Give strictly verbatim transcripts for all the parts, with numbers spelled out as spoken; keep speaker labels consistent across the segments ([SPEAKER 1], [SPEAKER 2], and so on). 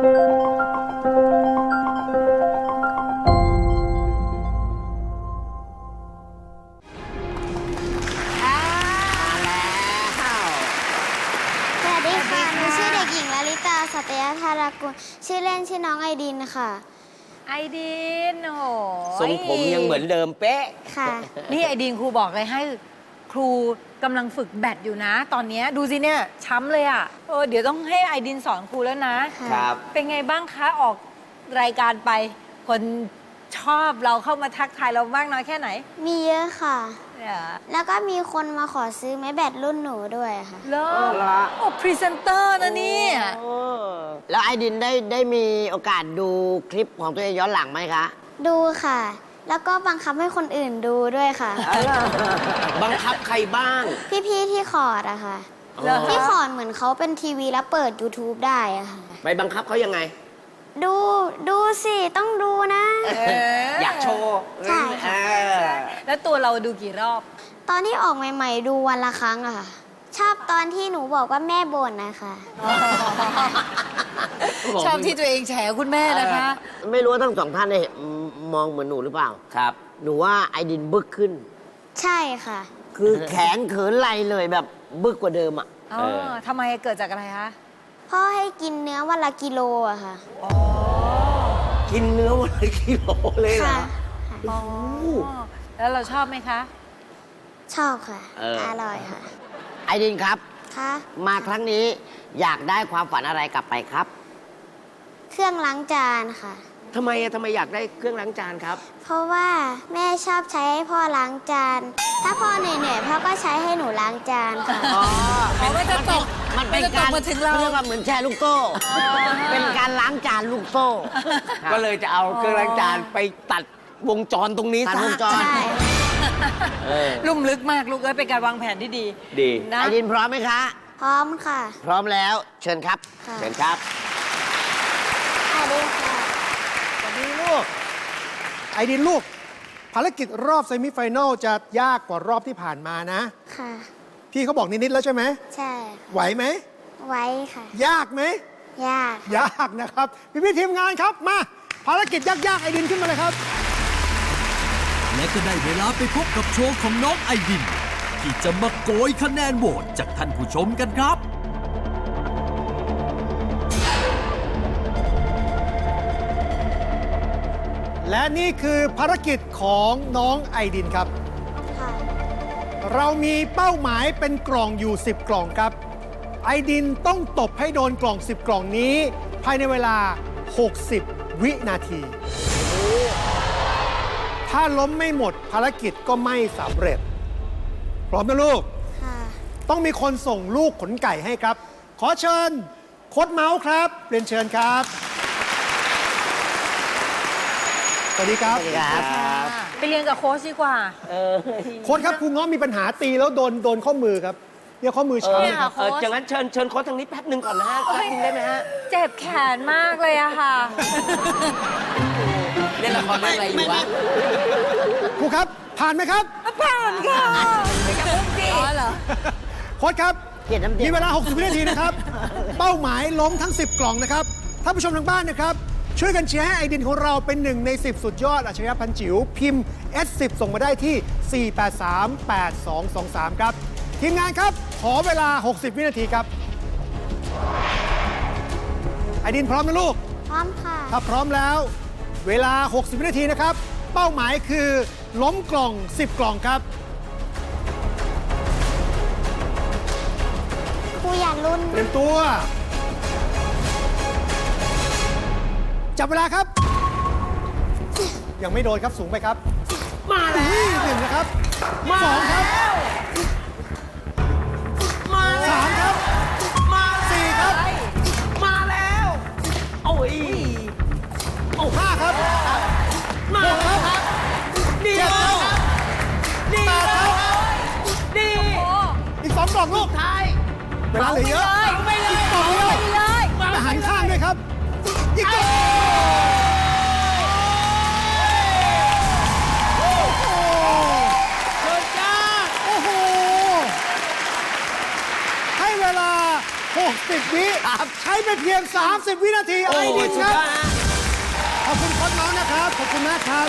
[SPEAKER 1] สัตยธารากุลชื่อเล่นชื่อน้องไอดินค่ะ
[SPEAKER 2] ไอดินโอ้โห
[SPEAKER 3] ทรงผมยังเหมือนเดิมเป๊ะ
[SPEAKER 1] ค่ะ
[SPEAKER 2] นี่ไอดินครูบอกเลยให้ครูกำลังฝึกแบดอยู่นะ ตอนนี้ดูสิเนี่ยช้ำเลยอ่ะเออเดี๋ยวต้องให้ไอดินสอนครูแล้วนะครับเป็นไงบ้างคะออกรายการไปคนชอบเราเข้ามาทักทายเรามากน้อยแค่ไหน
[SPEAKER 1] มีเยอะค่ะแล้วก็มีคนมาขอซื้อไม้แบดรุ่นหนูด้วยค่ะ
[SPEAKER 2] เลิศโอ้พรีเซนเตอร์นะนี่
[SPEAKER 4] แล้วไอดินได้ได้มีโอกาสดูคลิปของตัวเองย้อนหลังไหมคะ
[SPEAKER 1] ดูค่ะแล้วก็บังคับให้คนอื่นดูด้วยค่ะ
[SPEAKER 3] บังคับใครบ้าง
[SPEAKER 1] พี่ๆที่คอร์ดอะค่ะที่คอร์ดเหมือนเขาเป็นทีวีแล้วเปิด YouTube ได้อะค่ะ
[SPEAKER 3] ไปบังคับเขายังไง
[SPEAKER 1] ดูดูสิต้องดูนะ
[SPEAKER 3] อยากโชว์
[SPEAKER 1] ใช่ค่ะ
[SPEAKER 2] แล้วตัวเราดูกี่รอบ
[SPEAKER 1] ตอนที่ออกใหม่ๆดูวันละครั้งอะค่ะชอบตอนที่หนูบอกว่าแม่บ่นนะคะ
[SPEAKER 2] ชอบที่ตัวเองแฉคุณแม่นะคะ
[SPEAKER 4] ไม่รู้ว่าทั้งสองท่านได้มองเหมือนหนูหรือเปล่า
[SPEAKER 3] ครับ
[SPEAKER 4] หนูว่าไอดินบึกขึ้น
[SPEAKER 1] ใช่ค่ะ
[SPEAKER 4] คือแขนเขินไหลเลยแบบบึกกว่าเดิมอ่ะ
[SPEAKER 2] อ๋อทำไมเกิดจากอะไรคะ
[SPEAKER 1] พ่อให้กินเนื้อวันละกิโลอะค่ะ
[SPEAKER 3] อ๋อกินเนื้อวันละกิโลเลยเหรอ
[SPEAKER 2] อ๋อแล้วเราชอบไหมคะ
[SPEAKER 1] ชอบค่ะอร่อยค่ะ
[SPEAKER 4] ไอดินครับ
[SPEAKER 1] ค่ะ
[SPEAKER 4] มาครั้งนี้อยากได้ความฝันอะไรกลับไปครับ
[SPEAKER 1] เครื่องล้างจานค่ะ
[SPEAKER 3] ทำไมอะทำไมอยากได้เครื่องล้างจานครับ
[SPEAKER 1] เพราะว่าแม่ชอบใช้ให้พ่อล้างจานถ้าพ่อเหนื่อยๆพ่อก็ใช้ให้หนูล้างจานค่ะ
[SPEAKER 4] อ๋อ
[SPEAKER 2] เพราะว่าจะตก
[SPEAKER 4] มันเป็นการ
[SPEAKER 2] มาถึงเรา
[SPEAKER 4] เรียกว่าเหมือนแชร์ลูกโซ่เป็นการล้างจานลูกโซ่
[SPEAKER 3] ก็เลยจะเอาเครื่องล้างจานไปตัดวงจรตรงนี้
[SPEAKER 4] ตัดวงจร
[SPEAKER 2] ลุ่มลึกมากลูกเอ้ยเป็นการวางแผนที่ดี
[SPEAKER 3] ดี
[SPEAKER 4] ไอดินพร้อมไหมคะ
[SPEAKER 1] พร้อมค่ะ
[SPEAKER 4] พร้อมแล้วเชิญครับ
[SPEAKER 3] เชิญครับ
[SPEAKER 1] สวัสดีค่ะ
[SPEAKER 4] สวัสดีลูก
[SPEAKER 5] ไอดินลูกภารกิจรอบเซมิไฟแนลจะยากกว่ารอบที่ผ่านมานะ
[SPEAKER 1] ค่ะ
[SPEAKER 5] พี่เขาบอกนิดๆแล้วใช่ไหม
[SPEAKER 1] ใช่
[SPEAKER 5] ไหวไหม
[SPEAKER 1] ไหวค่ะ
[SPEAKER 5] ยากไหม
[SPEAKER 1] ยาก
[SPEAKER 5] ยากนะครับพี่พี่ทีมงานครับมาภารกิจยากๆไอดินขึ้นมาเลยครับ
[SPEAKER 6] และก็ได้เวลาไปพบกับโชว์ของน้องไอดินที่จะมาโกยคะแนนโหวตจากท่านผู้ชมกันครับ
[SPEAKER 5] และนี่คือภารกิจของน้องไอดินครับเรามีเป้าหมายเป็นกล่องอยู่สิบกล่องครับไอดินต้องตบให้โดนกล่องสิบกล่องนี้ภายในเวลาหกสิบวินาทีถ้าล้มไม่หมดภารกิจก็ไม่สำเร็จพร้อมนะลูกต้องมีคนส่งลูกขนไก่ให้ครับขอเชิญโค้ชเมาส์ครับเรียนเชิญครับสวัสดีครับ
[SPEAKER 4] สวัสดีครับ
[SPEAKER 2] ไปเรียนกับโค้ชดีกว่า
[SPEAKER 5] โค้ชครับครูง้อมีปัญหาตีแล้วโดนโดนข้อมือครับเนี่ยข้อมือช้ำครับ
[SPEAKER 3] อย่างนั้นเชิญเชิญโค้ชทางนี้แป๊บนึงก่อนนะฮะแป๊บนึงได้ไหมฮะ
[SPEAKER 2] เจ็บแขนมากเลยอะค่ะ
[SPEAKER 3] เล่นละครเรื่องอะไรอยู่วะ
[SPEAKER 5] ครูครับผ่านไหมครับ
[SPEAKER 2] ผ่านค่ะไม่กระพุ่งจีอ๋อเหรอ
[SPEAKER 5] โค้ชครับมีเวลาหกสิบวินาทีนะครับเป้าหมายล้มทั้งสิบกล่องนะครับท่านผู้ชมทางบ้านนะครับช่วยกันเชียร์ให้ไอดินของเราเป็นหนึ่งในสิบสุดยอดอัจฉริยะพันจิ๋วพิมพ์ เอส สิบ ส่งมาได้ที่สี่ แปด สาม แปด สอง สอง สามครับทีมงานครับขอเวลาหกสิบวินาทีครับไอดินพร้อมนะลูก
[SPEAKER 1] พร้อมค่ะ
[SPEAKER 5] ถ้าพร้อมแล้วเวลาหกสิบวินาทีนะครับเป้าหมายคือล้มกล่องสิบกล่องครับ
[SPEAKER 1] ครูอย่าลุ้น
[SPEAKER 5] เตรียมตัวจับเวลาครับยังไม่โดนครับสูงไปครับ
[SPEAKER 3] มาแล้ว
[SPEAKER 5] หนึ่งนะครับสองครับ
[SPEAKER 3] มา
[SPEAKER 5] สามครับ
[SPEAKER 3] มา
[SPEAKER 5] สี่ครับ
[SPEAKER 3] มาแล้วโอ้ย
[SPEAKER 5] โอ้ห้าครับหกครับเจ็ดครับแปดครับ
[SPEAKER 3] ดี
[SPEAKER 5] อีกสองกล่องลูก
[SPEAKER 3] ท้าย
[SPEAKER 5] เวลาเหลือเยอะ
[SPEAKER 3] ไม่เลย
[SPEAKER 5] อีกกล่องเดียวแต่หันข้างด้วยครับอีกกล่องหกสิสิบ วิ
[SPEAKER 3] ครับ
[SPEAKER 5] ใช้ไปเพียง สามสิบ วินาที
[SPEAKER 3] โอ้
[SPEAKER 5] ไอ
[SPEAKER 3] โห
[SPEAKER 5] ดิน
[SPEAKER 3] สุ
[SPEAKER 5] ค
[SPEAKER 3] ด
[SPEAKER 5] รับ
[SPEAKER 3] ยอดนะ
[SPEAKER 5] ขอบคุณโค้ชน้องนะครับ ขอบคุณมากครับ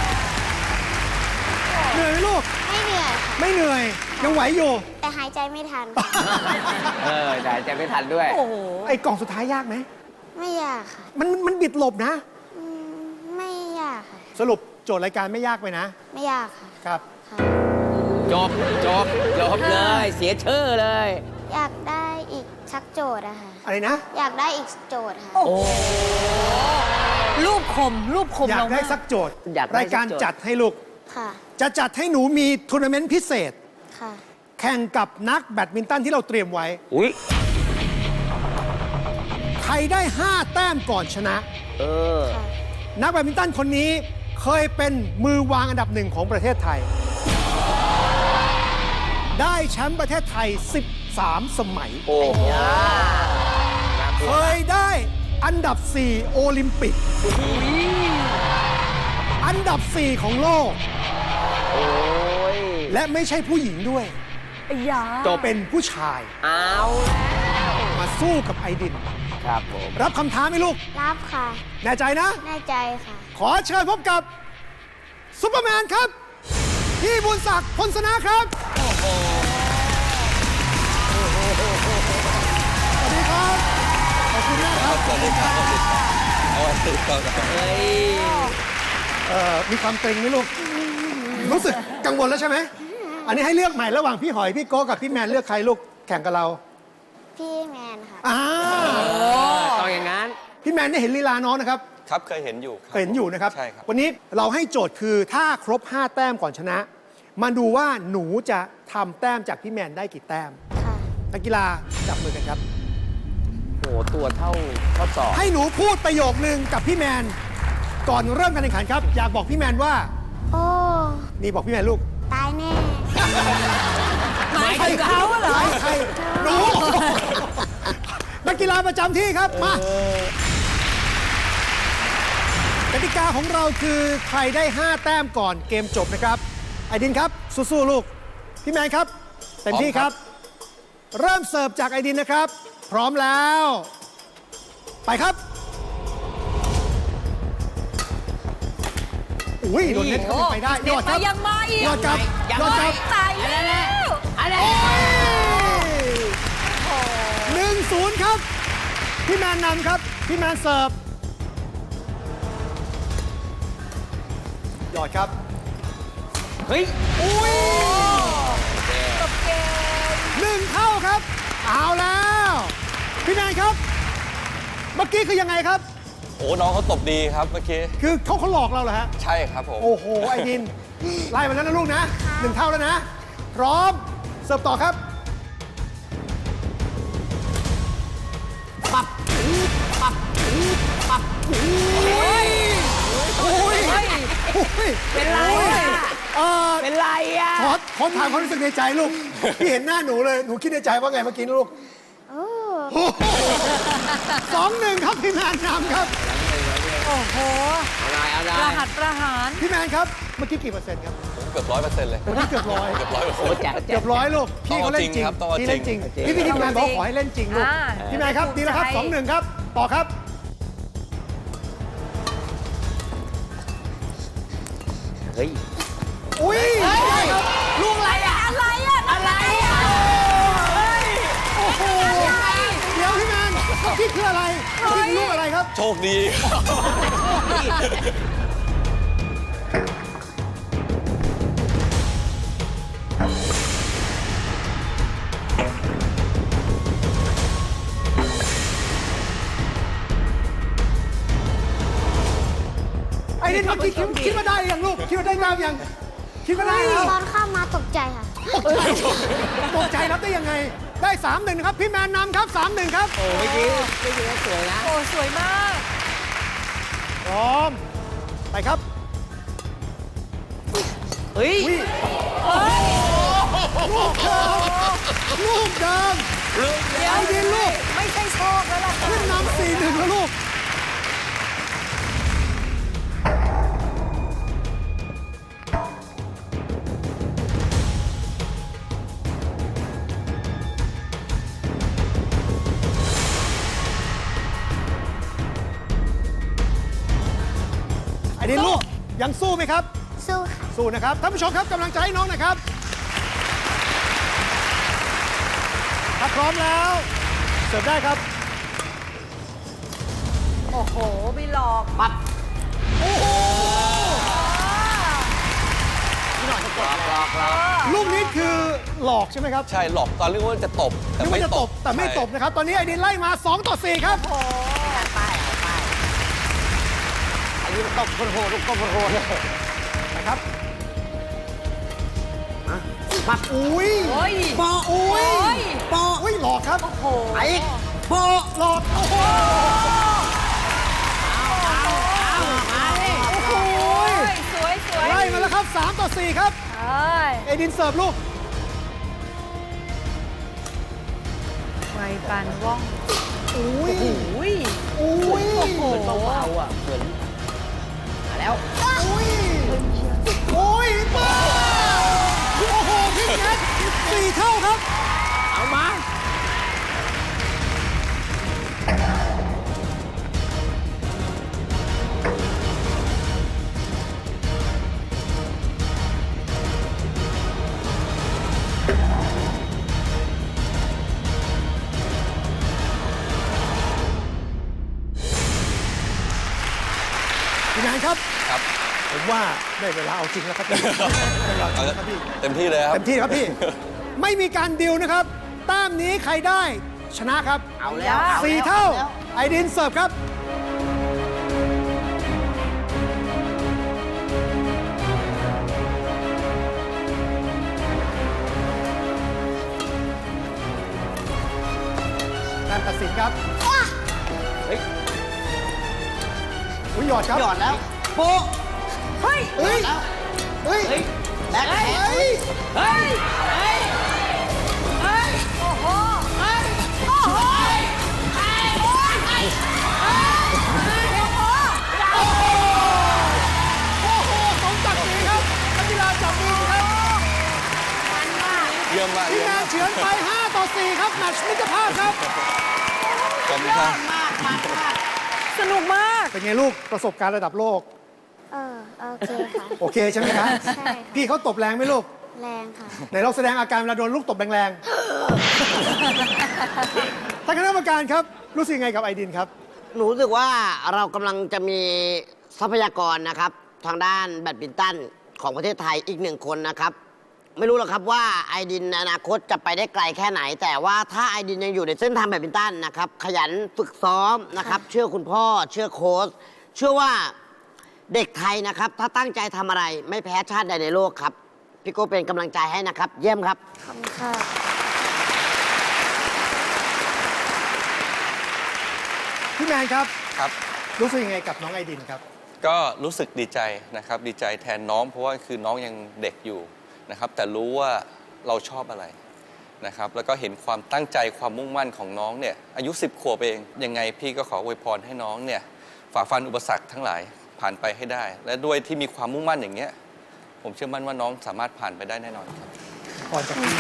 [SPEAKER 5] เหนื่อยไหมลูก
[SPEAKER 1] ไม่เหนื่อยค่ะ
[SPEAKER 5] ไม่เหนื่อย ยังไหวอยู่
[SPEAKER 1] แต่หายใจไม่ทัน
[SPEAKER 3] เออแต่จะไม่ทันด้วย
[SPEAKER 2] โอ้โห
[SPEAKER 5] ไอ้กล่องสุดท้ายยากไหม
[SPEAKER 1] ไม่ยากค่ะ
[SPEAKER 5] มันมันบิดหลบนะ
[SPEAKER 1] อืมไม่ยากค่ะ
[SPEAKER 5] สรุปโจทย์รายการไม่ยากไปนะ
[SPEAKER 1] ไม่ยากค่ะ
[SPEAKER 5] ครับ
[SPEAKER 1] ค่ะ
[SPEAKER 3] จบ จบ จบเลย เสียชื่อเลย
[SPEAKER 1] อยากได้อีกชักโจทย์อะค่ะ
[SPEAKER 5] อะไรนะ
[SPEAKER 1] อยากได้อีกโจทย์ค่ะ
[SPEAKER 2] โอ้โห รูปคม รูปคม
[SPEAKER 5] อยาก
[SPEAKER 2] เรา
[SPEAKER 5] ได้
[SPEAKER 2] มาก
[SPEAKER 5] สักโจทย์
[SPEAKER 3] อยากได้
[SPEAKER 5] รายการ
[SPEAKER 3] สักโจทย์
[SPEAKER 5] จัดให้ลูก
[SPEAKER 1] ค่ะ
[SPEAKER 5] จะจัดให้หนูมีทัวร์นาเมนต์พิเศษ
[SPEAKER 1] ค่ะ
[SPEAKER 5] แข่งกับนักแบดมินตันที่เราเตรียมไว้
[SPEAKER 3] อุ้ย
[SPEAKER 5] ใครได้ ห้า แต้มก่อนชนะ
[SPEAKER 3] เออ
[SPEAKER 1] ค่ะ
[SPEAKER 5] นักแบดมินตันคนนี้เคยเป็นมือวางอันดับหนึ่งของประเทศไทย ได้แชมป์ประเทศไทย สิบสาม สมัย
[SPEAKER 3] โอ้โห
[SPEAKER 5] เคยได้อันดับ สี่ โอลิมปิก อันดับ สี่ ของโลก
[SPEAKER 3] โอ้ย
[SPEAKER 5] และไม่ใช่ผู้หญิงด้วย
[SPEAKER 2] ไอ้ยา
[SPEAKER 5] จบเป็นผู้ชาย
[SPEAKER 3] เอาแล้ว
[SPEAKER 5] มาสู้กับไอดิน
[SPEAKER 3] ครับผม
[SPEAKER 5] รับคำท้าไหมลูก
[SPEAKER 1] รับค่ะ
[SPEAKER 5] แน่ใจนะ
[SPEAKER 1] แน่ใจค่ะ
[SPEAKER 5] ขอเชิญพบกับซุปเปอร์แมนครับ พี่บุญศักดิ์พลสนะครับ สวัสดีครับ ขอบคุณมากครับ ขอบคุณครับ
[SPEAKER 3] เฮ้ย
[SPEAKER 5] เอ่อมีความเกรงไหมลูก รู้สึกกังวลแล้วใช่ไหม อันนี้ให้เลือกใหม่ระหว่างพี่หอย พี่โก้กับพี่แมนเลือกใครลูกแข่งกับเรา
[SPEAKER 1] พี่แมนค่ะ
[SPEAKER 5] อ่า
[SPEAKER 3] ต้องอย่างนั้น
[SPEAKER 5] พี่แมนได้เห็นลีลาน้องนะครับ
[SPEAKER 7] ครับเคยเห็นอยู่ครับ
[SPEAKER 5] เคยเห็นอยู่นะครับ
[SPEAKER 7] ใช่ครับ
[SPEAKER 5] วันนี้เราให้โจทย์คือถ้าครบ ห้า แต้มก่อนชนะ มาดูว่าหนูจะทำแต้มจากพี่แมนได้กี่แต้ม
[SPEAKER 1] ค่ะ
[SPEAKER 5] นักกีฬาจับมือกันครับ
[SPEAKER 3] โห ตัวเท่าเท่าศอก
[SPEAKER 5] ให้หนูพูดประโยคนึงกับพี่แมน ก่อนเริ่มการแข่งขันครับ อยากบอกพี่แมนว่า
[SPEAKER 1] โอ้
[SPEAKER 5] นี่บอกพี่แมนลูก
[SPEAKER 1] ตายแน่
[SPEAKER 2] หมายถึงเขาเหรอ
[SPEAKER 5] ใครใครหนู นักกีฬาประจำที่ครับ มากติกาของเราคือใครได้ ห้า แต้มก่อนเกมจบนะครับ ไอดินครับ สู้ๆลูก พี่แมนครับ เต็มที่ครับ เริ่มเสิร์ฟจากไอดินนะครับ พร้อมแล้ว ไปครับ อุ้ยโดนเน็ตเข้าไปได้ยอดครับ
[SPEAKER 2] ยังมาอีก
[SPEAKER 5] ยอดครับยอดครับ
[SPEAKER 2] ตายแล้ว
[SPEAKER 3] อะไร
[SPEAKER 5] หนึ่งศูนย์ครับ พี่แมนนำครับ พี่แมนเสิร์ฟยอดครับ
[SPEAKER 3] เฮ้ย
[SPEAKER 5] อุ้ย
[SPEAKER 2] จบเกม
[SPEAKER 5] หนึ่งเท่าครับ เอาแล้ว พี่แมนครับ เมื่อกี้คือยังไงครับ
[SPEAKER 7] โอ้น้องเขาตบดีครับเมื่อกี้
[SPEAKER 5] คือเขาเขาหลอกเราเหรอฮะ
[SPEAKER 7] ใช่ครับผม
[SPEAKER 5] โอ้โห ไอดิน ไล่มาแล้วนะลูกนะหนึ่งเท่าแล้วนะ พร้อม เสิร์ฟต่อครับ ปับปับปับอุ้ยอุ้ยอุ้ย
[SPEAKER 2] เป็นไรอะ
[SPEAKER 5] เออ
[SPEAKER 3] เป็นไรอ่ะ
[SPEAKER 5] ขอขอถามความรู้สึกในใจลูก พี่เห็นหน้าหนูเลย หนูคิดในใจว่าไงเมื่อกี้นะลูก
[SPEAKER 1] โอ้
[SPEAKER 5] สองหนึ่งครับ พี่แมนนำครับ
[SPEAKER 2] โอ้โห
[SPEAKER 3] เอาได้เอาได้
[SPEAKER 2] ประหัตประหาร
[SPEAKER 5] พี่แมนครับ เมื่อกี้กี่เปอร์เซ็นต์ครับ
[SPEAKER 7] เกือบร้อยเปอร์เซ็นต์เลย
[SPEAKER 5] เมื่อกี้เกือบร้อย
[SPEAKER 7] เกือบร้อยเปอร์เซ็
[SPEAKER 3] โอ้
[SPEAKER 7] นต์
[SPEAKER 3] แจ๋วแจ๋
[SPEAKER 5] เกื
[SPEAKER 3] ว
[SPEAKER 5] อบร้อยลูก พี่เขาเล่นจริง
[SPEAKER 7] ต้องเอาจริงครับต้องเอา
[SPEAKER 5] พี่เล่นจริง
[SPEAKER 3] จริง
[SPEAKER 5] พี่พี่ทีมงานบอกขอให้เล่นจริงลูก
[SPEAKER 2] อ่า
[SPEAKER 5] พี่แมนครับ ดีแล้วครับ
[SPEAKER 2] ใจ
[SPEAKER 5] สองหนึ่งครับ ต่อครับ
[SPEAKER 3] เฮ้ย
[SPEAKER 5] อุ้ยได้ครับ
[SPEAKER 2] ลูกอะไรอะอะไรอะอะไรอะ
[SPEAKER 5] โอ้โห เดี๋ยวพี่แมนพี่คืออะไรพี่คือลูกอะไรครับ
[SPEAKER 7] โชคดี
[SPEAKER 5] ไอ้นี่เมื่อกี้คิดคิดว่าได้ยังลูก คิดว่าได้น้ำยัง คิดว่าได้แล้ว
[SPEAKER 1] ตอนเข้ามาตกใจค่ะ
[SPEAKER 5] ตกใจรับได้ยังไง ได้สามหนึ่งนะครับ พี่แมนนำครับสามหนึ่งครับ
[SPEAKER 3] โอ้เมื่อกี้เมื่อกี้สวยนะ
[SPEAKER 2] โอ้ สวยมาก
[SPEAKER 5] พร้อม ไปครับ
[SPEAKER 3] เฮ้ย
[SPEAKER 5] วิลูกเดิมลูกเดิม
[SPEAKER 2] เดี๋ยว
[SPEAKER 5] ไอ้ดินลูก
[SPEAKER 2] ไม่ใช่โชคแล้วล่ะค่ะ
[SPEAKER 5] ขึ้นนำสี่หนึ่งแล้วลูกไอดินลูกยังสู้ไหมครับ
[SPEAKER 1] สู้ค่ะ
[SPEAKER 5] สู้นะครับท่านผู้ชมครับกำลังใจให้น้องหนะครับถ้าพร้อมแล้วเสิร์ฟได้ครับ
[SPEAKER 2] โอ้โหไม่หลอก
[SPEAKER 4] ปั๊บ
[SPEAKER 5] โอ้โห
[SPEAKER 4] พี่หน่อยจะกดหลอกหลอก
[SPEAKER 5] ลูกนี้คือหลอกใช่ไหมครับ
[SPEAKER 7] ใช่หลอกตอนเรียกว่าจะตบ แต่
[SPEAKER 5] นึก
[SPEAKER 7] ไม่
[SPEAKER 5] ว่าจะ
[SPEAKER 7] ต
[SPEAKER 5] ต
[SPEAKER 7] บบ
[SPEAKER 5] แต่ไม่ตบ
[SPEAKER 7] ใช่
[SPEAKER 5] นะครับ ตอนนี้ไอดินไล่มา สอง ต่อ สี่ ครับ
[SPEAKER 2] โอ้โห
[SPEAKER 4] ป้ายเอาป้ายอันนี้ตบคนโหดลูกตบคนโหด
[SPEAKER 5] นะครับ
[SPEAKER 4] ปั๊บ
[SPEAKER 5] อุ้ย
[SPEAKER 2] โอ้ย
[SPEAKER 5] ปออุ้ย
[SPEAKER 2] โอ้ย
[SPEAKER 5] ปออุ้ยหลอกครับ
[SPEAKER 2] โอ้โห
[SPEAKER 4] ไอ้อีก
[SPEAKER 5] ปอหลอกโอ้โห
[SPEAKER 4] มาดิ
[SPEAKER 5] โอ้โห
[SPEAKER 2] สวยสวย
[SPEAKER 5] ไล่มาแล้วครับ สาม ต่อ สี่ ครับ
[SPEAKER 2] เอ้ย
[SPEAKER 5] ไอดินเสิร์ฟลูก
[SPEAKER 2] ไวปันว่อง
[SPEAKER 5] อุ้ย
[SPEAKER 2] อุ้ย
[SPEAKER 5] อุ้ย
[SPEAKER 2] โอ้โห
[SPEAKER 4] เบาๆอ่ะเหมือนมาแล้ว
[SPEAKER 5] อุ้ยโอ้ยป้าโอ้โหพี่แคทสี่เท่าครับ
[SPEAKER 4] เอามา
[SPEAKER 5] พี่แมนครับ
[SPEAKER 7] ครับ
[SPEAKER 5] ผมว่าได้เวลาเอาจริงแล้วครับพี่ได้เวลาเอาจริงแล้วครับพี่
[SPEAKER 7] เต็มที่เลยครับ
[SPEAKER 5] เต็มที่ครับพี่ ไม่มีการดิวนะครับแต้มนี้ใครได้ชนะครับ
[SPEAKER 4] เอาแล้วอ
[SPEAKER 5] สี่
[SPEAKER 4] แล้ว
[SPEAKER 5] เท่า
[SPEAKER 4] อแล้ว
[SPEAKER 5] ไอดินเสิร์ฟครับ การตัดสินครับ
[SPEAKER 4] เฮ้ย
[SPEAKER 5] อุ้ยหยอดครับ
[SPEAKER 4] หยอดแล้วโป๊ะ
[SPEAKER 2] เฮ้ย
[SPEAKER 5] เฮ้ย
[SPEAKER 4] แล้ว
[SPEAKER 5] เฮ้ย
[SPEAKER 4] เฮ้ยแบกแขน
[SPEAKER 5] เฮ้ย
[SPEAKER 2] เฮ้ย เฮ้ย เฮ้ย โอ้โห เฮ้ย โอ้โห เฮ้ย โอ้ยเฮ้ยเฮ้ยโอ้โห
[SPEAKER 5] โอ้โหสมศักดิ์ศรีครับนักกีฬาจับมือครับ
[SPEAKER 7] เยี่ยมมาก
[SPEAKER 5] พี่
[SPEAKER 7] เยี่ยม
[SPEAKER 5] แม
[SPEAKER 7] มาน ก
[SPEAKER 5] เฉือนไป ห้า ต่อ สี่ ครับแมตช์มิตรภาพครับ
[SPEAKER 7] ขอบคุณครับ
[SPEAKER 2] สนุกมาก
[SPEAKER 5] เป็นไงลูกประสบการณ์ระดับโลก
[SPEAKER 1] เออ โอเคค่ะ
[SPEAKER 5] โอเคใช่ไหมครับ
[SPEAKER 1] ใช่ค่ะ
[SPEAKER 5] พี่เขาตบแรงไหมลูก
[SPEAKER 1] แรงค่ะ
[SPEAKER 5] ไหนลองแสดงอาการเวลาโดนลูกตบแรงๆ ท่านคณะกรรมการครับ รู้สึกยังไงกับไอดินครับ
[SPEAKER 4] หนูรู้สึกว่าเรากำลังจะมีทรัพยากรนะครับ ทางด้านแบดมินตันของประเทศไทยอีกหนึ่งคนนะครับ ไม่รู้หรอกครับว่าไอดินในอนาคตจะไปได้ไกลแค่ไหน แต่ว่าถ้าไอดินยังอยู่ในเส้นทางแบดมินตันนะครับ ขยันฝึกซ้อมนะครับ เชื่อคุณพ่อ เชื่อโค้ชเชื่อว่าเด็กไทยนะครับ ถ้าตั้งใจทำอะไรไม่แพ้ชาติใดในโลกครับ พี่โก้เป็นกำลังใจให้นะครับ เยี่ยมครับ
[SPEAKER 1] ขอบคุณค่ะ
[SPEAKER 5] พี่แมนครับ
[SPEAKER 7] ครับ
[SPEAKER 5] รู้สึกยังไงกับน้องไอดินครับ
[SPEAKER 7] ก็รู้สึกดีใจนะครับ ดีใจแทนน้องเพราะว่าคือน้องยังเด็กอยู่นะครับ แต่รู้ว่าเราชอบอะไรนะครับ แล้วก็เห็นความตั้งใจความมุ่งมั่นของน้องเนี่ยอายุสิบขวบเองยังไงพี่ก็ขออวยพรให้น้องเนี่ยฝ่าฟันอุปสรรคทั้งหลายผ่านไปให้ได้ และด้วยที่มีความมุ่งมั่นอย่างเงี้ยผมเชื่อมั่นว่าน้องสามารถผ่านไปได้แน่นอนครับ
[SPEAKER 5] ก่อนจะขึ้น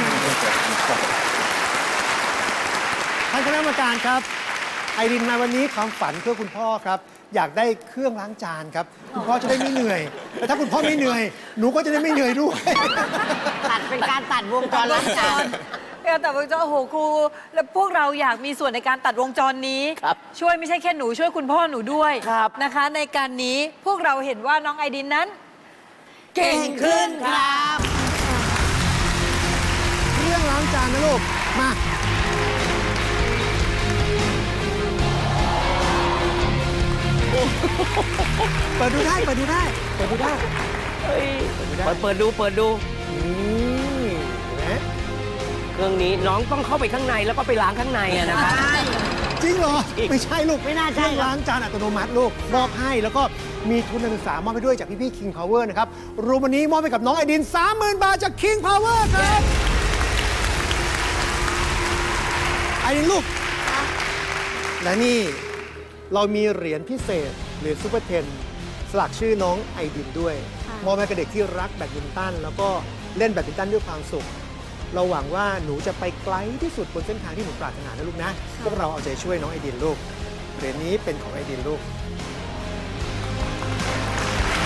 [SPEAKER 5] ท่านคณะกรรมการครับ ไอดินมาวันนี้ความฝันเพื่อคุณพ่อครับ อยากได้เครื่องล้างจานครับ คุณพ่อจะได้ไม่เหนื่อยแต่ถ้าคุณพ่อไม่เหนื่อย หนูก็จะได้ไม่เหนื่อยด้วย
[SPEAKER 4] ตัดเป็นการตัดวงจรล้างจาน
[SPEAKER 2] เออแต่วงจรโอ้โหครู แล้วพวกเราอยากมีส่วนในการตัดวงจรนี้
[SPEAKER 4] ครับ
[SPEAKER 2] ช่วยไม่ใช่แค่หนูช่วยคุณพ่อหนูด้วย
[SPEAKER 4] ครับ
[SPEAKER 2] นะคะ ในการนี้พวกเราเห็นว่าน้องไอดินนั้น เก่งขึ้น
[SPEAKER 4] ครับ
[SPEAKER 5] เครื่องล้างจานนะลูก มา เปิดดูได้ เปิดดูได้ เปิดดูได้
[SPEAKER 3] เฮ้ย
[SPEAKER 5] เปิดดูได้
[SPEAKER 3] เปิดเปิดดูเปิดดู
[SPEAKER 5] นี่เห็นไหม
[SPEAKER 3] เครื่องนี้น้องต้องเข้าไปข้างในแล้วก็ไปล้างข้างในอะนะครับ
[SPEAKER 5] จริงเหรอ ไม่ใช่ลูก
[SPEAKER 4] ไม่น่า
[SPEAKER 5] เค
[SPEAKER 4] ใช่
[SPEAKER 5] รื่อง
[SPEAKER 4] ครับ
[SPEAKER 5] ล้างจานอัตโนมัติลูก มอบให้แล้วก็มีทุนการศึกษามอบไปด้วยจากพี่ๆ King Power นะครับ รวมวันนี้มอบไปกับน้องไอดิน สามหมื่น บาทจาก King Power ครับ ไอดินลูก และนี่เรามีเหรียญพิเศษเหรียญซูเปอร์เทนสลักชื่อน้องไอดินด้วย
[SPEAKER 1] ค่ะ
[SPEAKER 5] มอบให้กับเด็กที่รักแบดมินตันแล้วก็เล่นแบดมินตันด้วยความสุข เราหวังว่าหนูจะไปไกลที่สุดบนเส้นทางที่หนูปรารถนานะลูกนะ พวกเราเอาใจช่วยน้องไอดินลูกเหรียญนี้เป็นของไอดินลูก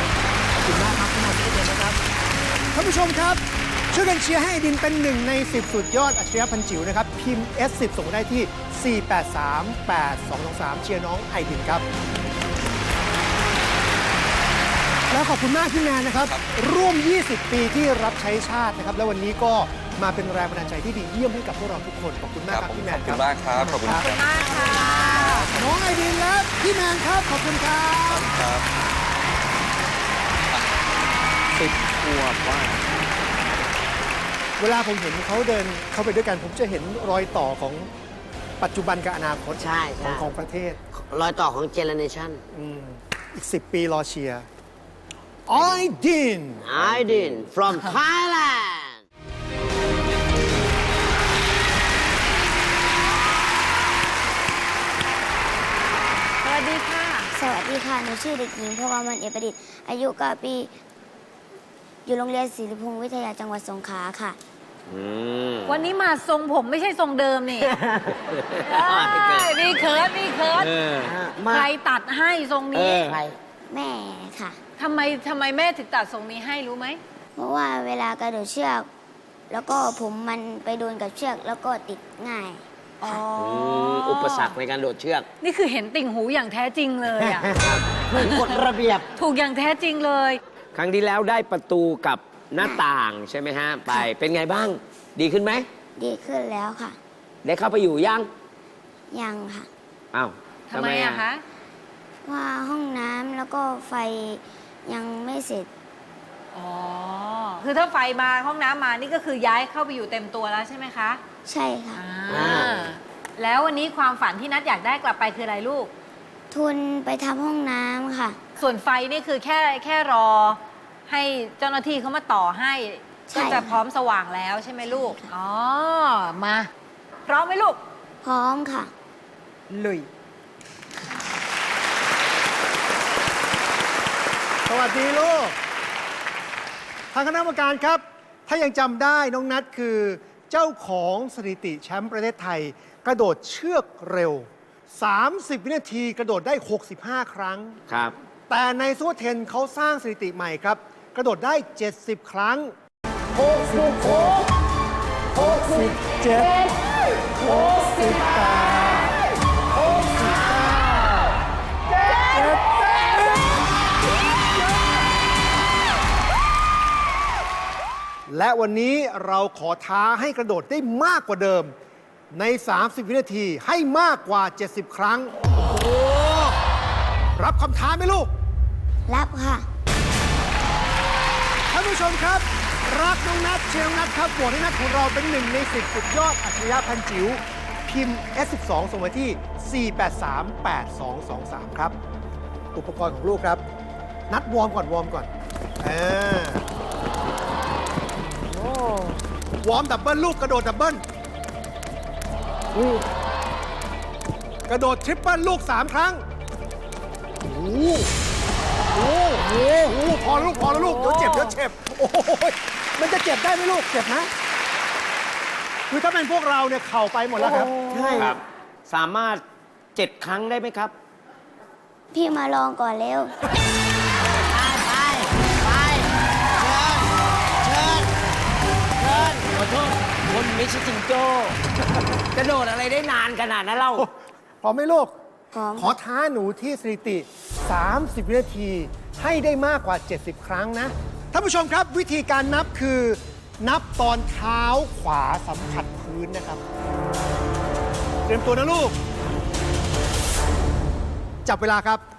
[SPEAKER 5] คุณมากครับคุณมาทุกคนนะครับท่านผู้ชมครับช่วยกันเชียร์ให้ไอดินเป็นหนึ่งในสิบสุดยอดอัจฉริยะพันจิ๋วนะครับพิมพ์ เอส สิบ ส่งมาได้ที่ สี่ แปด สาม แปด สอง สอง สาม เชียร์น้องไอดินครับแล้วขอบคุณมากพี่แมนนะครับ ร่วม ยี่สิบ ปีที่รับใช้ชาตินะครับ แล้ววันนี้ก็มาเป็นแรงบันดาลใจที่ดีเยี่ยมให้กับพวกเราทุกคน ขอบคุณมากครับพี่แมน
[SPEAKER 7] ขอบ
[SPEAKER 5] ค
[SPEAKER 7] คุ
[SPEAKER 5] รับ
[SPEAKER 7] ณมากครับ ขอบคุณครับ
[SPEAKER 2] มากค่ะ
[SPEAKER 5] น้องไอดินและพี่แมนครับ ขอบคุณครับ
[SPEAKER 7] ครับ
[SPEAKER 3] สิบขวบว่า
[SPEAKER 5] เวลาผมเห็นเขาเดินเข้าไปด้วยกัน ผมจะเห็นรอยต่อของปัจจุบันกับอนาคต
[SPEAKER 4] ใช่
[SPEAKER 5] ขอ
[SPEAKER 4] ใช่
[SPEAKER 5] งของประเทศ
[SPEAKER 4] รอยต่อของเจเนเรชัน
[SPEAKER 5] อืมอีกสิบปีรอเชียร์ไอดิน
[SPEAKER 4] ไอดิน from Thailand
[SPEAKER 2] สวัสดีค่ะ
[SPEAKER 1] สวัสดีค่ะ หนูชื่อเด็กหญิงพวมันเอกประดิษฐ์ อายุเก้าปี อยู่โรงเรียนศิริพงศ์วิทยาจังหวัดสงขลาค่ะ
[SPEAKER 2] วันนี้มาทรงผมไม่ใช่ทรงเดิมนี่เอ้ยนี่เคิร์ดนี่เคิร์ด
[SPEAKER 3] เออ
[SPEAKER 2] ใครตัดให้ทรง
[SPEAKER 3] เอ
[SPEAKER 2] นี้
[SPEAKER 3] อ
[SPEAKER 4] ใคร
[SPEAKER 1] แม่ค่ะ
[SPEAKER 2] ทำไมทำไมแม่ถึงตัดทรงนี้ให้รู้ไหม
[SPEAKER 1] เพราะว่าเวลากระโดดเชือก แล้วก็ผมมันไปโดนกับเชือกแล้วก็ติดง่าย
[SPEAKER 2] อ๋อ
[SPEAKER 3] อุปสรรคในการโดดเชือก
[SPEAKER 2] นี่คือเห็นติ่งหูอย่างแท้จริงเลยอ่ะ
[SPEAKER 4] ถูกกฎระเบียบ
[SPEAKER 2] ถูกอย่างแท้จริงเลย
[SPEAKER 3] ครั้งที่แล้วได้ประตูกับหน้าต่างใช่ไหมฮะ ไป เป็นไงบ้าง ดีขึ้นไหม
[SPEAKER 1] ดีขึ้นแล้วค่ะ
[SPEAKER 3] ได้เข้าไปอยู่ยัง
[SPEAKER 1] ยังค่ะ
[SPEAKER 3] อ้าว
[SPEAKER 2] ทำไมอะคะ
[SPEAKER 1] ว่าห้องน้ำแล้วก็ไฟยังไม่เสร็จ
[SPEAKER 2] อ๋อ คือถ้าไฟมาห้องน้ำมานี่ก็คือย้ายเข้าไปอยู่เต็มตัวแล้วใช่ไหมคะ
[SPEAKER 1] ใช่ค่ะ
[SPEAKER 2] อ่าแล้ววันนี้ความฝันที่นัดอยากได้กลับไปคืออะไรลูก
[SPEAKER 1] ทุนไปทำห้องน้ำค่ะ
[SPEAKER 2] ส่วนไฟนี่คือแค่แค่รอให้เจ้าหน้าที่เขามาต่อให้
[SPEAKER 1] ใช่
[SPEAKER 2] ก็จะพร้อมสว่างแล้วใช่ไหมลูก
[SPEAKER 1] ใช่ค่ะ
[SPEAKER 2] อ๋อ มา พร้อมไหมลูก
[SPEAKER 1] พร้อมค่ะ
[SPEAKER 2] ลุย
[SPEAKER 5] สวัสดีลูก ทางคณะกรรมการครับ ถ้ายังจำได้น้องนัทคือเจ้าของสถิติแชมป์ประเทศไทย กระโดดเชือกเร็ว สามสิบ วินาทีกระโดดได้ หกสิบห้า ครั้ง
[SPEAKER 3] ครับ
[SPEAKER 5] แต่ในซูเปอร์เทนเขาสร้างสถิติใหม่ครับ กระโดดได้ เจ็ดสิบ ครั้ง หกสิบหก หกสิบเจ็ด หกสิบแปด หกสิบเก้า เจ็ดสิบและวันนี้เราขอท้าให้กระโดดได้มากกว่าเดิม ใน สามสิบ วินาทีให้มากกว่า เจ็ดสิบ ครั้ง โอ้โห รับคำท้าไหมลูก
[SPEAKER 1] รับค่ะ
[SPEAKER 5] ท่านผู้ชมครับ รักน้องนัทเชียร์น้องนัทครับโหวตให้นัทของเราเป็นหนึ่งในสิบสุดยอดอัจฉริยะพันจิ๋วพิมพ์ เอส สิบสอง ส่งมาที่ สี่ แปด สาม แปด สอง สอง สาม ครับ อุปกรณ์ของลูกครับ นัดวอร์มก่อนวอร์มก่อนเออโอ้วอร์มดับเบิลลูกกระโดดดับเบิลกระโดดทริปเปิลลูกสามครั้งโอ้โหโอ้โหโอ้โหพอแล้วลูกพอแล้วลูกเดี๋ยวเจ็บเดี๋ยวเจ็บโอ้ยมันจะเจ็บได้ไหมลูกเจ็บนะคือถ้าเป็นพวกเราเนี่ยเข่าไปหมดแล้วครับ
[SPEAKER 4] ใช่
[SPEAKER 3] ครับ สามารถเจ็ดครั้งได้ไหมครับ
[SPEAKER 1] พี่มาลองก่อนเร็ว
[SPEAKER 4] ไป ไป เชิญ เชิญ เชิญ
[SPEAKER 3] ขอโทษคนไม่ใช่จิงโจ้ กระโดดอะไรได้นานขนาดนั้นเล่า
[SPEAKER 5] พร้อมไหมลูก
[SPEAKER 1] พร้อม
[SPEAKER 5] ขอท้าหนูที่สถิติ สามสิบ วินาที ให้ได้มากกว่า เจ็ดสิบ ครั้งนะ ท่านผู้ชมครับวิธีการนับคือ นับตอนเท้าขวาสัมผัสพื้นนะครับ เตรียมตัวนะลูก จับเวลาครับ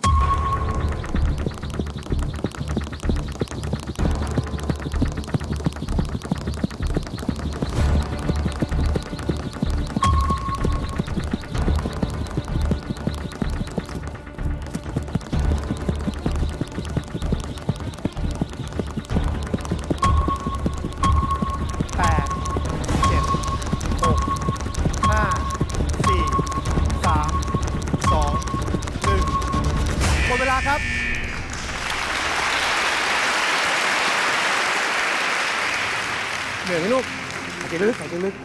[SPEAKER 5] แปด เจ็ด หก ห้า สี่ สาม สอง หนึ่ง หมดเวลาครับ เหนื่อยไหมลูกหายใจลึกหายใจลึก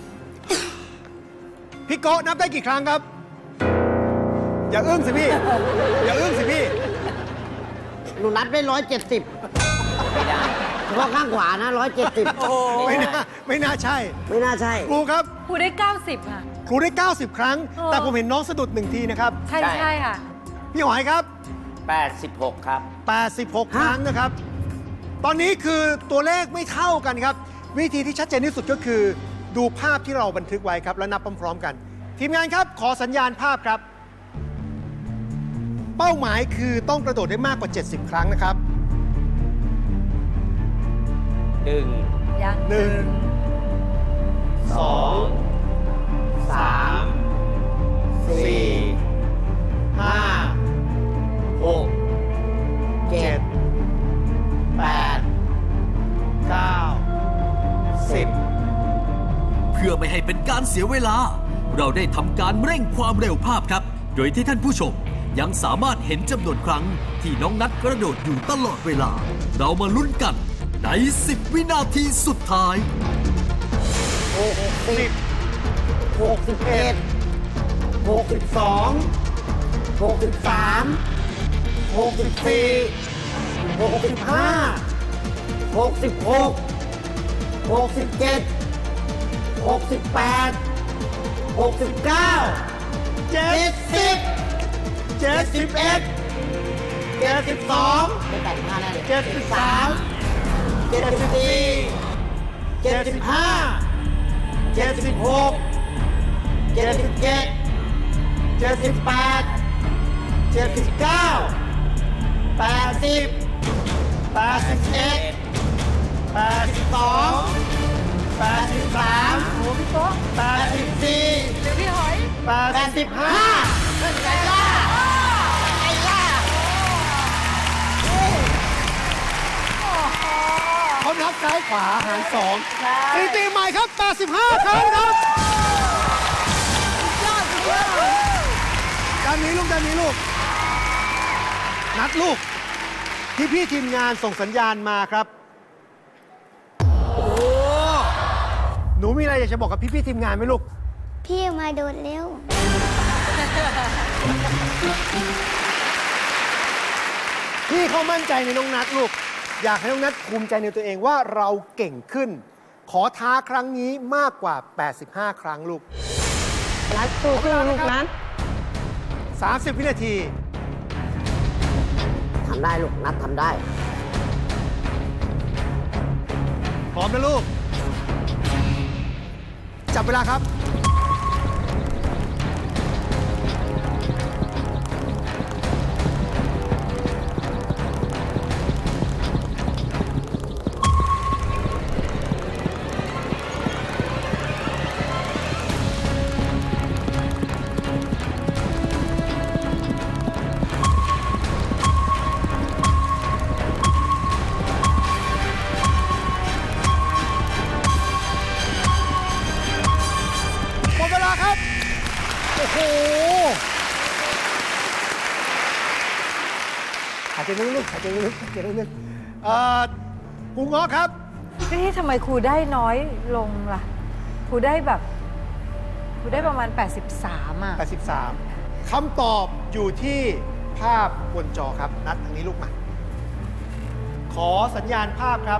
[SPEAKER 5] พี่โกะนับได้กี่ครั้งครับ อย่าอึ้งสิพี่ อย่าอึ้งสิพี่
[SPEAKER 4] นหนูนับได้ร้อยเจ็ดสิบ
[SPEAKER 3] ไม่ได้
[SPEAKER 4] เฉพาะข้างขวานะร้อยเจ็ดสิบ
[SPEAKER 5] ไม่น่าไม่น่าใช่
[SPEAKER 4] ไม่น่าใช่
[SPEAKER 5] ครูครับ
[SPEAKER 2] ครูได้ เก้าสิบ ค่ะ
[SPEAKER 5] ครูได้ เก้าสิบ ครั้ง
[SPEAKER 2] เออ
[SPEAKER 5] แต่ผมเห็นน้องสะดุดหนึ่งทีนะครับ
[SPEAKER 2] ใช่
[SPEAKER 3] ใช่
[SPEAKER 2] ใช่ค่ะ
[SPEAKER 5] พี่หอยครับ
[SPEAKER 3] แปดสิบหกครับ
[SPEAKER 5] แปดสิบหก ครั้งนะครับ ตอนนี้คือตัวเลขไม่เท่ากันครับ วิธีที่ชัดเจนที่สุดก็คือ ดูภาพที่เราบันทึกไว้ครับ แล้วนับพร้อมๆกัน ทีมงานครับ ขอสัญญาณภาพครับ เป้าหมายคือต้องกระโดดได้มากกว่า เจ็ดสิบ ครั้งนะครับ
[SPEAKER 3] หนึ่ง
[SPEAKER 2] ยัง
[SPEAKER 5] หนึ่ง
[SPEAKER 3] สองสามสี่
[SPEAKER 5] ห้า
[SPEAKER 3] หก
[SPEAKER 5] เจ็ด แปด เก้า สิบ
[SPEAKER 6] เพื่อไม่ให้เป็นการเสียเวลา เราได้ทำการเร่งความเร็วภาพครับ โดยที่ท่านผู้ชมยังสามารถเห็นจำนวนครั้งที่น้องนัทกระโดดอยู่ตลอดเวลา เรามาลุ้นกันใน สิบ วินาทีสุดท้าย
[SPEAKER 4] หกสิบ หกสิบเอ็ด หกสิบสอง หกสิบสาม หกสิบสี่ หกสิบห้า หกสิบหก หกสิบเจ็ด หกสิบแปด หกสิบเก้า
[SPEAKER 5] เจ็
[SPEAKER 4] เจ็
[SPEAKER 5] ด
[SPEAKER 4] ดสิบ
[SPEAKER 5] เจ็ดสิบเอ็ด
[SPEAKER 4] เจ็ดสิบสองไม่แปดสิบห้าแน่เลย
[SPEAKER 5] เจ็ดสิบสาม
[SPEAKER 4] เจ็ดสิบสี่ เจ็ดสิบห้า เจ็ดสิบหก เจ็ดสิบเจ็ด เจ็ดสิบแปด เจ็ดสิบเก้า แปดสิบ แปดสิบเอ็ด แปดสิบสอง แปดสิบสาม
[SPEAKER 2] โอ้พี่โต๊ะ
[SPEAKER 4] แปดสิบสี่
[SPEAKER 2] เดี๋ยวพี่หอย
[SPEAKER 5] แปด
[SPEAKER 4] แปดสิบห้าเป็นไงล่ะไงล่ะ
[SPEAKER 5] เขานับซ้ายขวาหารสองสถิติใหม่ครับ แปดสิบห้า ครั้งครับด้านนี้ลูกด้านนี้ลูก นัดลูก ที่พี่ทีมงานส่งสัญญาณมาครับ โอ้หนูมีอะไรอยากจะบอกกับพี่พี่ๆทีมงานไหมลูก
[SPEAKER 1] พี่มาโดดเร็ว
[SPEAKER 5] พี่เขามั่นใจในน้องนัดลูก อยากให้น้องนัดภูมิใจในตัวเองว่าเราเก่งขึ้น ขอท้าครั้งนี้มากกว่า แปดสิบห้า ครั้งลูก
[SPEAKER 4] นัดสู้ขึ้นลูกนัด
[SPEAKER 5] สามสิบ วินาที
[SPEAKER 4] ทำได้ลูกนัดทำได้
[SPEAKER 5] พร้อมนะลูก จับเวลาครับ หมดเวลาครับ โอ้โหหายใจลึกๆหายใจลึกๆหายใจลึกๆเอ่อครูง้อครับ
[SPEAKER 2] นี่ทำไมครูได้น้อยลงล่ะ ครูได้แบบครูได้ประมาณ แปดสิบสาม อ่ะ
[SPEAKER 5] แปดสิบสาม คำตอบอยู่ที่ภาพบนจอครับ นัดทางนี้ลูกมา ขอสัญญาณภาพครับ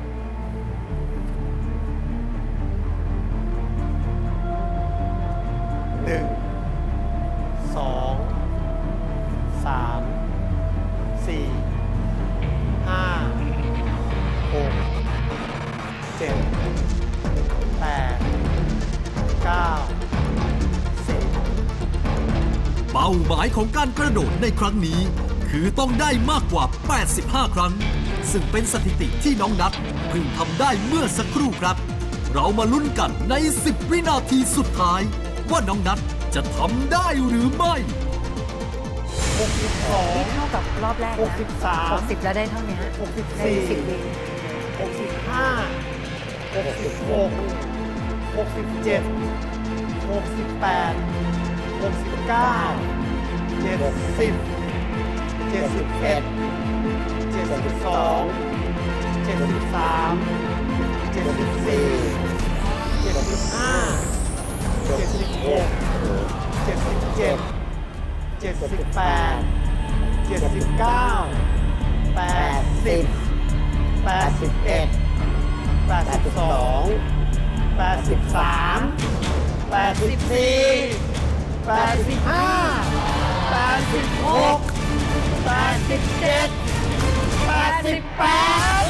[SPEAKER 5] หนึ่ง สอง สาม สี่ ห้า หก เจ็ด แปด เก้า สิบ
[SPEAKER 6] เป้าหมายของการกระโดดในครั้งนี้ คือต้องได้มากกว่า แปดสิบห้า ครั้ง ซึ่งเป็นสถิติที่น้องนัทเพิ่งทำได้เมื่อสักครู่ครับ เรามาลุ้นกันใน สิบ วินาทีสุดท้าย ว่าน้องนัทจะทำได้หรือไม่
[SPEAKER 5] หกสิบสอง
[SPEAKER 2] นี่เท่ากับรอบแรกนะ
[SPEAKER 5] หกสิบสาม
[SPEAKER 2] หกสิบแล้วได้เท่านี้
[SPEAKER 5] หกสิบ
[SPEAKER 2] ได้
[SPEAKER 5] สี่
[SPEAKER 2] สิบวิ
[SPEAKER 5] หกสิบห้า หกสิบหก หกสิบเจ็ด หกสิบแปด หกสิบเก้า เจ็ดสิบ เจ็ดสิบเอ็ด เจ็ดสิบสอง เจ็ดสิบสาม เจ็ดสิบสี่ เจ็ดสิบห้า เจ็ดสิบหก เจ็ดสิบเจ็ด เจ็ดสิบแปด เจ็ดสิบเก้า แปแปดสิบ แปดสิบเอ็ด แปดสิบสอง แปดสิบสาม แปดสิบสี่ แปดสิบห้า แปดสิบหก แปดสิบเจ็ด แปดสิบแปด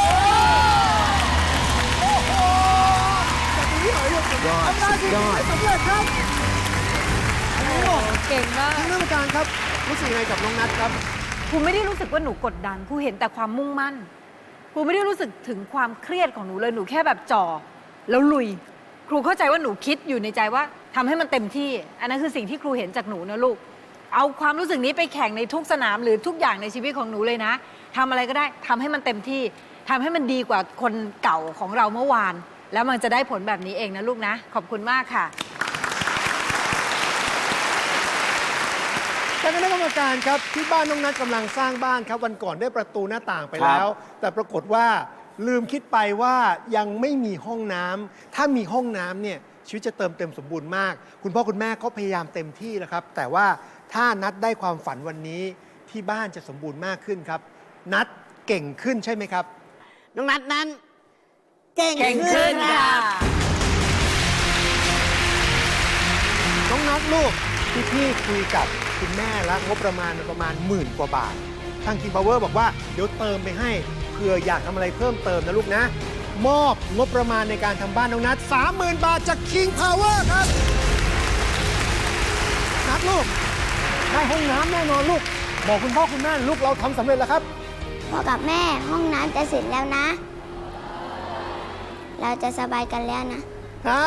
[SPEAKER 5] โอ้โหแบบนี้เหรอลูก
[SPEAKER 3] ยอด
[SPEAKER 5] ทำได้
[SPEAKER 3] สุดยอด
[SPEAKER 5] สำเร็จครับ
[SPEAKER 2] โอ้เก่งมาก
[SPEAKER 5] ท่านกรรมการครับรู้สึกยังไงกับน้องนัทครับ
[SPEAKER 2] ครูไม่ได้รู้สึกว่าหนูกดดันครูเห็นแต่ความมุ่งมั่นครูไม่ได้รู้สึกถึงความเครียดของหนูเลยหนูแค่แบบจ่อแล้วลุย ครูเข้าใจว่าหนูคิดอยู่ในใจว่าทำให้มันเต็มที่ อันนั้นคือสิ่งที่ครูเห็นจากหนูนะลูกเอาความรู้สึกนี้ไปแข่งในทุกสนามหรือทุกอย่างในชีวิตของหนูเลยนะทำอะไรก็ได้ทำให้มันเต็มที่ทำให้มันดีกว่าคนเก่าของเราเมื่อวาน แล้วมันจะได้ผลแบบนี้เองนะลูกนะขอบคุณมากค่ะ
[SPEAKER 5] ท่านคณะกรรมการครับที่บ้านน้องนัทกำลังสร้างบ้านครับวันก่อนได้ประตูหน้าต่างไปแล้ว แต่ปรากฏว่าลืมคิดไปว่ายังไม่มีห้องน้ำถ้ามีห้องน้ำเนี่ยชีวิตจะเติมเต็มสมบูรณ์มาก คุณพ่อคุณแม่ก็พยายามเต็มที่แล้วครับ แต่ว่าถ้านัทได้ความฝันวันนี้ที่บ้านจะสมบูรณ์มากขึ้นครับ นัทเก่งขึ้นใช่ไหมครับ
[SPEAKER 4] น้องนัทนั้น เก่ง
[SPEAKER 2] เก่งขึ้
[SPEAKER 4] ขึ้
[SPEAKER 2] น
[SPEAKER 4] น
[SPEAKER 2] ค่ะ
[SPEAKER 5] น้องนัทลูกที่พี่คุยกับคุณแม่แล้วงบประมาณประมาณหมื่นกว่าบาท ทาง King Power บอกว่าเดี๋ยวเติมไปให้เผื่ออยากทำอะไรเพิ่มเติมนะลูกนะ มอบงบประมาณในการทำบ้านน้องนัท สามหมื่น บาทจาก King Power ครับนัทลูกได้ห้องน้ำแน่นอนลูก บอกคุณพ่อคุณแม่ลูกเราทำสำเร็จแล้วครับ
[SPEAKER 1] พ่อกับแม่ห้องน้ำจะเสร็จแล้วนะ เราจะสบายกันแล้วนะ
[SPEAKER 5] อ่า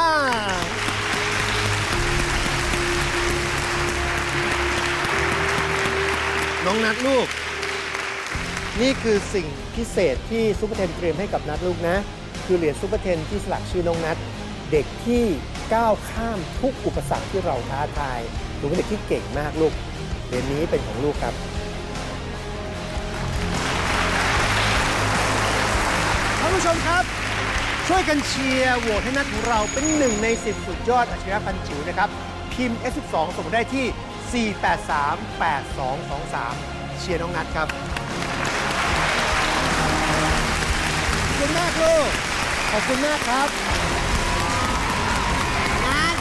[SPEAKER 5] น้องนัทลูก นี่คือสิ่งพิเศษที่ซุปเปอร์เทนเตรียมให้กับนัทลูกนะ คือเหรียญซุปเปอร์เทนที่สลักชื่อน้องนัทเด็กที่ก้าวข้ามทุกอุปสรรคที่เราท้าทายหนูเป็นเด็กที่เก่งมากลูกเหรียญนี้เป็นของลูกครับท่านผู้ชมครับ ช่วยกันเชียร์โหวตให้นัทของเราเป็นหนึ่งในสิบสุดยอดอัจฉริยะพันจิ๋วนะครับ พิมพ์ เอส สิบสอง ส่งมาได้ที่ สี่ แปด สาม แปด สอง สอง สาม เชียร์น้องนัทครับ ขอบคุณมากลูก ขอบคุณมากครับ
[SPEAKER 4] นัท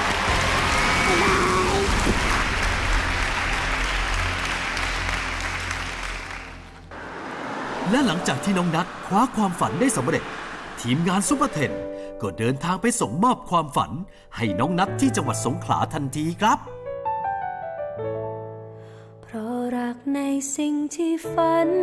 [SPEAKER 6] และหลังจากที่น้องนัทคว้าความฝันได้สำเร็จ ทีมงานซุปเปอร์เทนก็เดินทางไปส่งมอบความฝันให้น้องนัทที่จังหวัดสงขลาทันทีครับ
[SPEAKER 8] เพราะรักในสิ่งที่ฝัน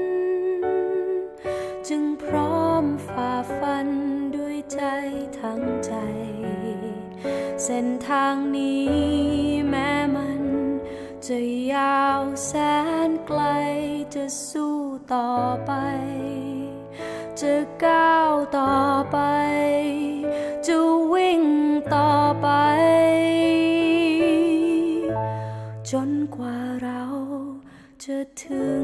[SPEAKER 8] จึงพร้อมฝ่าฟันด้วยใจทั้งใจ เส้นทางนี้แม้มันจะยาวแสนไกลจะสู้ต่อไป จะก้าวต่อไป จะวิ่งต่อไป จนกว่าเราจะถึง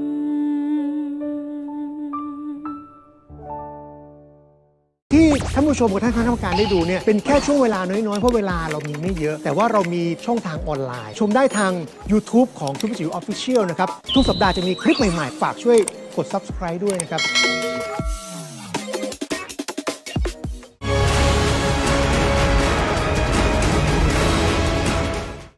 [SPEAKER 5] ที่ท่านผู้ชมกับท่านคณะกรรมการได้ดูเนี่ยเป็นแค่ช่วงเวลาน้อยๆ เพราะเวลาเรามีไม่เยอะ แต่ว่าเรามีช่องทางออนไลน์ ชมได้ทาง YouTube ของซุปเปอร์จิ๋ว Official นะครับ ทุกสัปดาห์จะมีคลิปใหม่ๆ ฝากช่วยกด Subscribe ด้วยนะครับ